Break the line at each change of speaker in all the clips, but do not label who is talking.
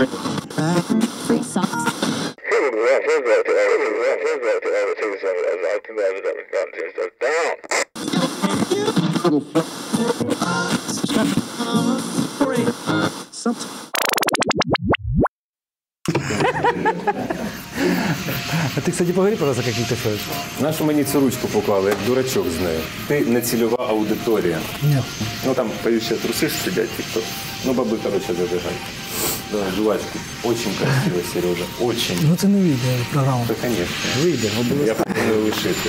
Free socks.
А ты, кстати, поговори, пожалуйста, как ты шоешь.
Нашу мені цю ручку поклали, як дурачок з нею. Ти не цільова аудиторія.
Нет.
Ну там, боюсь, ще труси ж сидять, типу. Ну, баби, короче, забігай. Давай, жувачки. Очень красиво, Сережа. Очень.
Ну це не вийде програма.
Да, конечно.
Вийде,
Я
обов'язково.
пропоную лишити.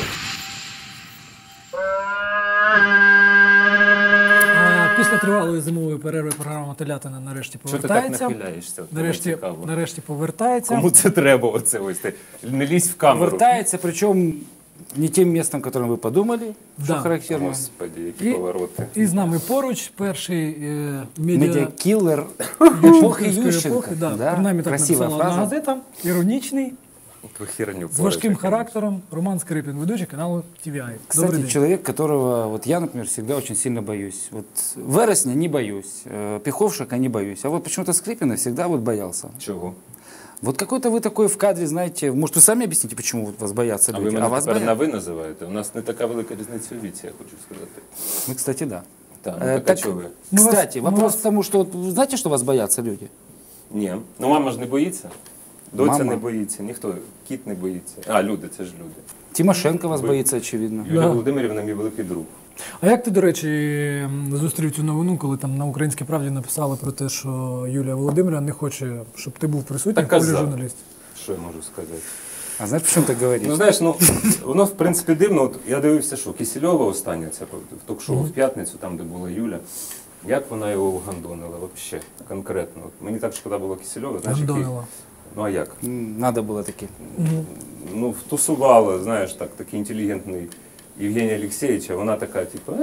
Після тривалої зимової перерви програма «Телятина» нарешті
Чого ти так
повертається.
нахиляєшся? Мені цікаво.
Нарешті повертається.
Кому це треба оце ось? Ти не лізь в камеру.
Повертается, причем не тем местом, которым вы подумали,
Да.
что характерно.
Господи, які повороти.
І з нами поруч перший
Медиакиллер эпохи
Ющенківської
Ющенко.
епохи. Да.
Да?
Принаймні так
Красивая
написала одна
фраза.
газета. Іронічний,
Ви херню
з важким
порите,
характером. Роман Скрипін, ведучий каналу TVI. Добрий
Кстати,
день.
человек, которого вот я, например, всегда очень сильно боюсь. Вот Вересня не боюсь, Пиховшика не боюсь, а вот почему-то Скрипина всегда вот боялся.
Чого?
Вот какой-то вы такой в кадре, знаете, может, вы сами объясните, почему вот вас боятся
А
люди,
ви мене
вас
тепер на
боятся?
ви називаєте? У нас не така велика різниця у віці, я хочу сказати.
Мы, кстати, да.
Так, ну
Так,
так, а чого ви?
кстати,
мы
вопрос
вас-
к тому, что вот, вы знаете, что вас боятся люди?
Ні. Ну мама ж не боїться. Доця
Мама?
не боїться, ніхто, кіт не боїться. А, люди, це ж люди.
Тимошенко вас боится, очевидно.
Юлія
Да.
Володимирівна мій великий друг.
А як ти, до речі, зустрів цю новину, коли там на «Українській правді» написали про те, що Юлія Володимирівна не хоче, щоб ти був присутній
Так
в колі
казав.
журналістів?
Що я можу сказати?
А знаешь, почему так говоришь?
Ну, знаєш, ну, воно, в принципі, дивно. От я дивився, що Кисельова остання, ця в ток-шоу в п'ятницю, там, де була Юля. Як вона його вгандонила, взагалі, конкретно. От мені так шкода було Кисельова. Знаєш, який-
Гандонила.
Ну, а як?
Надо было таки.
Ну, втусувала, знаєш, такий інтелігентний Євгеній Олексійович, а вона така, типу,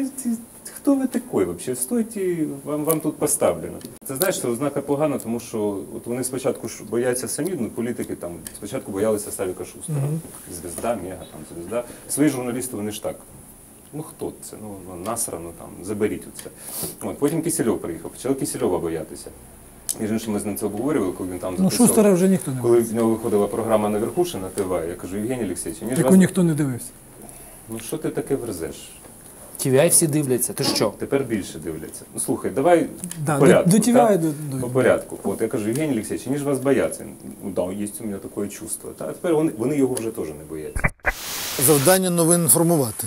хто ви такий взагалі? Стойте, вам тут поставлено. Це, знаєш, це ознака погана, тому що от вони спочатку ж бояться самі, ну, політики там, спочатку боялися Савіка Шустера. Звізда, мега, там, звізда. Свої журналісти, вони ж так. Ну хто це? Ну насрано там, заберіть оце. От, потім Кисельов приїхав, почали Кисельова боятися. Між іншим, ми з ним це обговорювали, коли він там
Ну,
записав.
Шустера вже ніхто не
Коли
дивився.
в нього виходила програма «Наверхуши» на ТВ, я кажу, Євгеній Олексійович, ніж
Яку
вас...
ніхто не дивився.
Ну що ти таке верзеш?
TVI всі дивляться. Ти що?
Тепер більше дивляться. Ну слухай, давай
Да,
по порядку.
до TVI
так?
до-
По порядку. От я кажу, Євгеній Олексійович, ніж вас бояться. Ну да, є у мене таке чувство. Та? А тепер вони його вже теж не бояться.
Завдання новин інформувати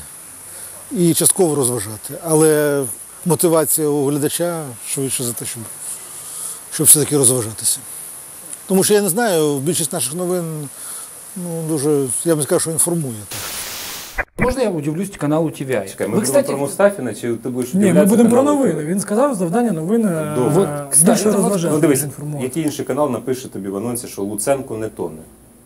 і частково розважати. Але мотивація у глядача швидше за те, щоб все-таки розважатися. Тому що я не знаю, більшість наших новин дуже, я б не сказав, що інформує.
Можна я удивлюсь каналу TVI?
Чекай, ми
Ви,
будемо
кстати,
про Мустафіна, чи ти будеш
Ні, ми
удивлятися
будемо про
каналу
новини.
ТВ?
Він сказав, завдання новин
Добре.
більше
от,
розважати,
Ну дивись,
ніж інформувати.
який інший канал напише тобі в анонсі, що Луценко не тоне.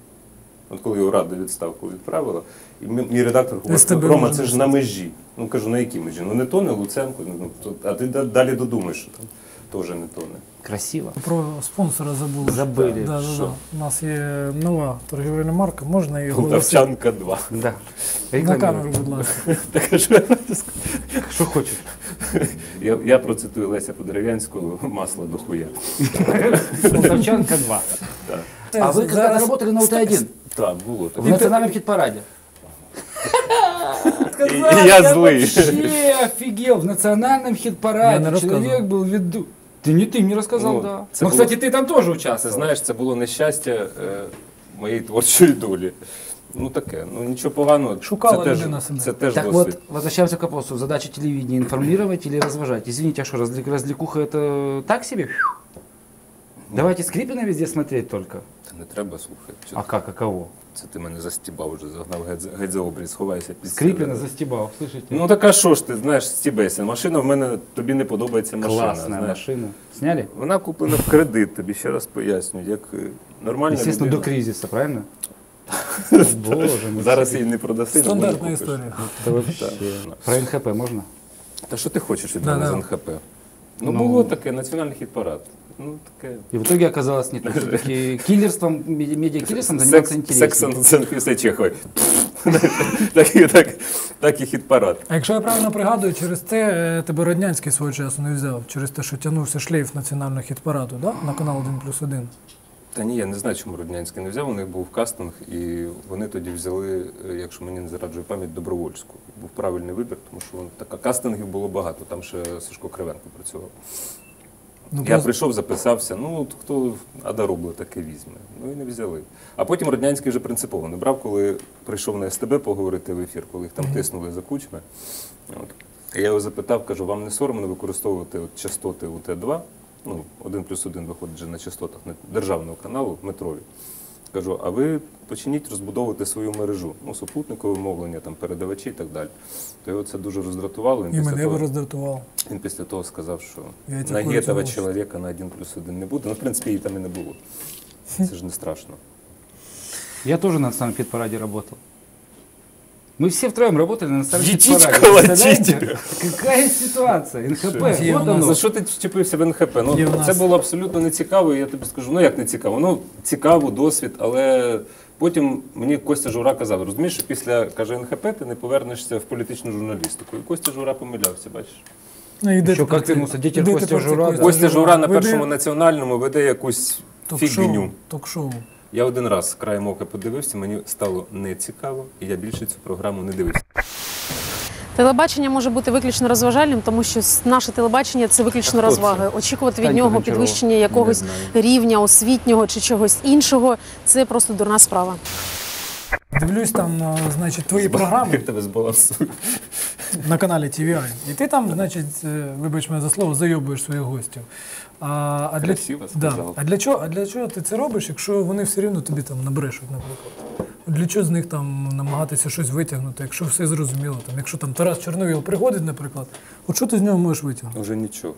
От коли його Рада відставку відправила, і мій редактор говорить,
СТБ
Рома,
можна
це ж на межі. Ну кажу, на якій межі? Ну не тоне Луценко, а ти далі додумаєш, що там теж не тоне.
красиво.
Про спонсора забули.
Забили.
Да,
Що?
У нас є нова торгівельна марка, можна її оголосити.
Полтавчанка 2.
Да.
На камеру, будь ласка.
Так а що я можу сказати?
Що хочеш?
Я процитую Леся Подерев'янського «Масло до хуя».
Полтавчанка 2. А вы когда работали на УТ-1?
Так, було так.
В национальном хит-параде.
І я злий.
Вообще офигел. В национальном
Я
хит-параде
не рассказывал.
человек был веду. Ты не рассказал,
Ну,
да.
це
Ну,
було-
кстати, ты там тоже
Це,
участвовал.
знаєш, це було нещастя моєї творчої долі. Ну таке, ну нічого поганого.
Шукала
це
людина себе.
Це теж
Так
досвід.
вот, возвращаемся к вопросу. Задача телевидения информировать или разважать? Извините, а что, развлекуха это так себе? Давайте Скрипина везде смотреть только.
Та не треба слухати.
А как, а кого?
Це ти мене застібав вже, загнав геть за обріз, сховайся під
Скрипина
стіл.
застебал, слышите?
Ну так а що ж ти, знаєш, стібайся. Машина в мене, тобі не подобається машина.
Классная
знаєш.
машина. Сняли?
Вона куплена в кредит, тобі ще раз пояснюю, як нормальна
Естественно, до
людина.
кризиса, правильно? Боже мой.
Зараз її не продаси.
Стандартна
не купиш.
історія.
Это вообще. Про НХП можно?
Та що ти хочеш від
Да,
мене
да.
з НХП? Ну було таке, національний хіт-парад. ну, таке.
И в итоге оказалось не так. Все-таки киллерством, медиакиллерством заниматься
Секс
интереснее.
після Чехової. Так і хіт-парад.
А якщо я правильно пригадую, через це тебе Роднянський свого часу не взяв, через те, що тягнувся шлейф національного хіт-параду, да? На канал 1+1.
Та ні, я не знаю, чому Роднянський не взяв. У них був кастинг, і вони тоді взяли, якщо мені не зраджує пам'ять, Добровольську. Був правильний вибір, тому що кастингів було багато. Там ще Сашко Кривенко працював.
Ну,
Я прийшов, записався, ну от хто Адаробло таке візьме. Ну і не взяли. А потім Роднянський вже принципово не брав, коли прийшов на СТБ поговорити в ефір, коли їх там тиснули за кучми. От. Я його запитав, кажу, вам не соромно використовувати от частоти УТ-2? Ну, 1+1 виходить вже на частотах державного каналу метрові. Кажу, а ви почніть розбудовувати свою мережу, ну, супутникове мовлення, там, передавачі і так далі. То його це дуже роздратувало.
І мене би роздратував.
Він після того сказав, що
Яйця
на
курицю
этого
носить.
чоловіка на 1+1 не буде. Ну, в принципі, її там і не було. Це ж не страшно.
Я тоже на национальном хит-параде работал. Мы все втроем работали на национальном
Етіть
хит-параде.
колотіть.
Представляете? Какая ситуация? НХП,
Є
вот
у нас
оно.
За що ти вчепився в НХП?
Є
Ну,
в нас.
це було абсолютно не цікаво, і я тобі скажу, ну як не цікаво? Ну, цікаво, досвід, але потім мені Костя Жура казав, розумієш, що після, каже, НХП ти не повернешся в політичну журналістику. І Костя Жура помилявся, бачиш?
Ну, іди
Що,
тепер
як
ти-
вернувся? Дітей
іди
Костя
тепер ти
Жура, да.
Костя Жура на
Веде
Першому національному веде якусь фігню.
Ток-шоу.
Я один раз краєм ока подивився, мені стало нецікаво, і я більше цю програму не дивився.
Телебачення може бути виключно розважальним, тому що наше телебачення це виключно
А хто
розваги. Очікувати від
Танька
нього
Гончарова.
підвищення якогось
Не
рівня освітнього чи чогось іншого це просто дурна справа.
Дивлюсь там, значить, твої програми
Як тебе збалансує?
на каналі TVI. І ти там, значить, вибач мене за слово, зайобуєш своїх гостів. А
Красиво сказав.
для чого ти це робиш, якщо вони все рівно тобі там набрешуть, наприклад? Для чого з них там намагатися щось витягнути, якщо все зрозуміло? Там, якщо там Тарас Чорновіл приходить, наприклад, от що ти з нього можеш витягнути?
Уже нічого.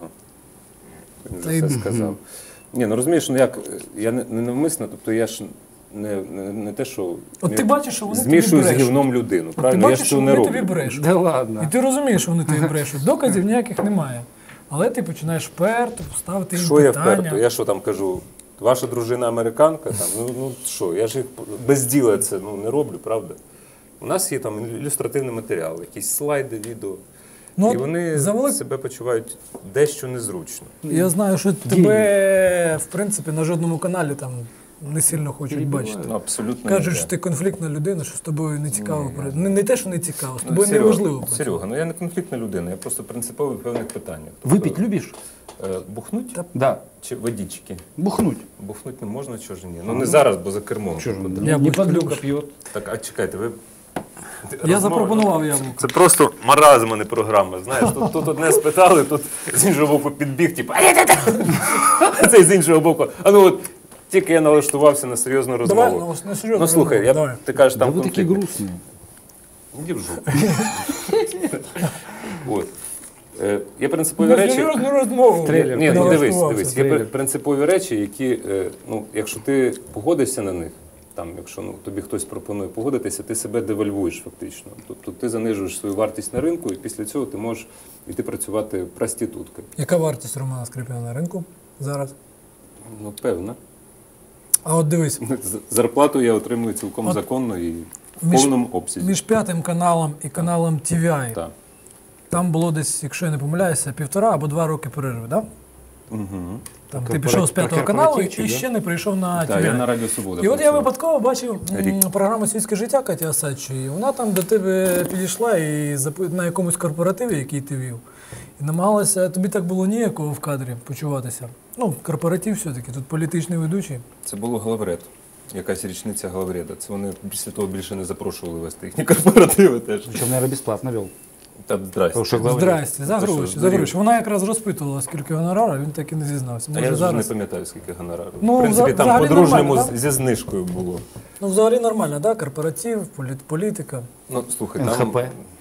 Він
Та
вже
й-
все сказав. Ні, ну розумієш, ну як, я не навмисно, тобто я ж не те, що
От ти бачиш, що вони тобі
змішую з
брешуть.
гівном людину,
От ти
правильно? Я
бачиш,
ж
що
цього не
вони тобі
роблю.
брешуть.
Да ладно.
І ти розумієш, що вони тобі брешуть. Доказів ніяких немає. Але ти починаєш вперто ставити їм
Що я
питання.
вперто? Я що там кажу? Ваша дружина американка? Там, ну що, я ж їх без діла це не роблю, правда? У нас є там ілюстративний матеріал, якісь слайди, відео.
Ну,
І вони
завели-
себе почувають дещо незручно.
Я знаю, що тебе, в принципі, на жодному каналі там не сильно хочуть бачити.
Ну, абсолютно
Кажуть,
ніде.
що ти конфліктна людина, що з тобою не цікаво. Не те, що не цікаво, з
Ну,
тобою
Серега,
неважливо.
Серега, ну я не конфліктна людина, я просто принциповий в певних питаннях.
Выпить любишь?
Бухнуть
Да.
чи водички?
Бухнуть.
Бухнуть не можна, чого ж ні? Ну не зараз, бо за кермом.
Чё же он?
Я
Не
будь
подлюка
любишь.
пьет.
Так, а чекайте, ви...
Я запропонував яблуко.
Це просто маразм, а не програма. Знаєш, тут одне спитали, тут з іншого боку підбіг, типу, а цей з іншого боку. А ну от тільки я налаштувався на серйозну
Давай,
розмову.
ну, серйозно.
Ну слухай,
Давай.
ти кажеш,
Да
там
вы такие
конфлікт.
грустные.
Іди в жопу. От. Є принципові
На
речі.
серйозну розмову.
Трейлер.
Ні, ну дивись,
Налаштувався.
дивись. Є
трейлер.
принципові речі, які, ну, якщо ти погодишся на них, там, якщо тобі хтось пропонує погодитися, ти себе девальвуєш фактично. Тобто ти занижуєш свою вартість на ринку, і після цього ти можеш йти працювати проституткою.
Яка вартість Романа Скрипіна на ринку зараз?
Ну, певно.
А от дивись,
Зарплату я отримую цілком
От
законно і в
між-
повному обсязі.
між п'ятим каналом і каналом TVI,
Так.
там було десь, якщо я не помиляюся, 1,5 або 2 роки перерви, так?
Угу.
Там
Про
ти пішов з
про
п'ятого каналу
корпоративчик,
і
да?
ще не прийшов на
Так, я
TVI.
на Радіо Свобода
І от я
працював.
випадково бачив
Рік.
програму «Світське життя» Каті Осадчої. Вона там до тебе підійшла і на якомусь корпоративі, який ти вів, і намагалася, тобі так було ніякого в кадрі почуватися. Ну, корпоратив все-таки, тут політичний ведучий.
Це було Главред. Якась річниця Главреда. Це вони після того більше не запрошували вести їхні корпоративи теж.
Причем, наверное, бесплатно вел.
Та здрасте.
Потому что главный-
Здрасте, за
Ти що,
гроші, за
здурів?
гроші. Вона якраз розпитувала, скільки гонорара, він так і не зізнався.
А
Може,
я вже не
зараз...
пам'ятаю, скільки гонорарів.
Ну,
в принципі, там
взагалі
по-дружньому
нормально,
зі знижкою було.
Ну, взагалі нормально, да? Корпоратив, політика.
Ну, слухай, там
НХП.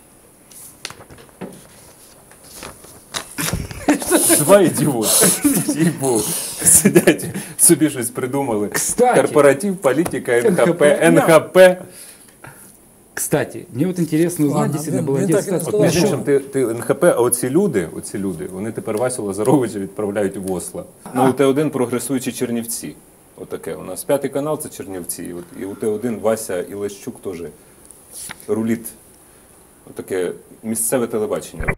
два ідіоти. Їй-богу. Сидять, собі щось придумали.
Кстати.
Корпоратив, політика, НХП,
НХП.
НХП.
Кстати, мне вот интересно узнать,
Ладно,
действительно,
блин,
было
мне так и
интересно.
не
От,
сказав,
між
що-
іншим, ти НХП, а оці люди, вони тепер Васю Лазаровича відправляють в Осло. Ну, у Т1 прогресуючі Чернівці. Отаке. У нас 5-й канал це Чернівці. І у Т1 Вася Ілещук теж руліт. Отаке місцеве телебачення.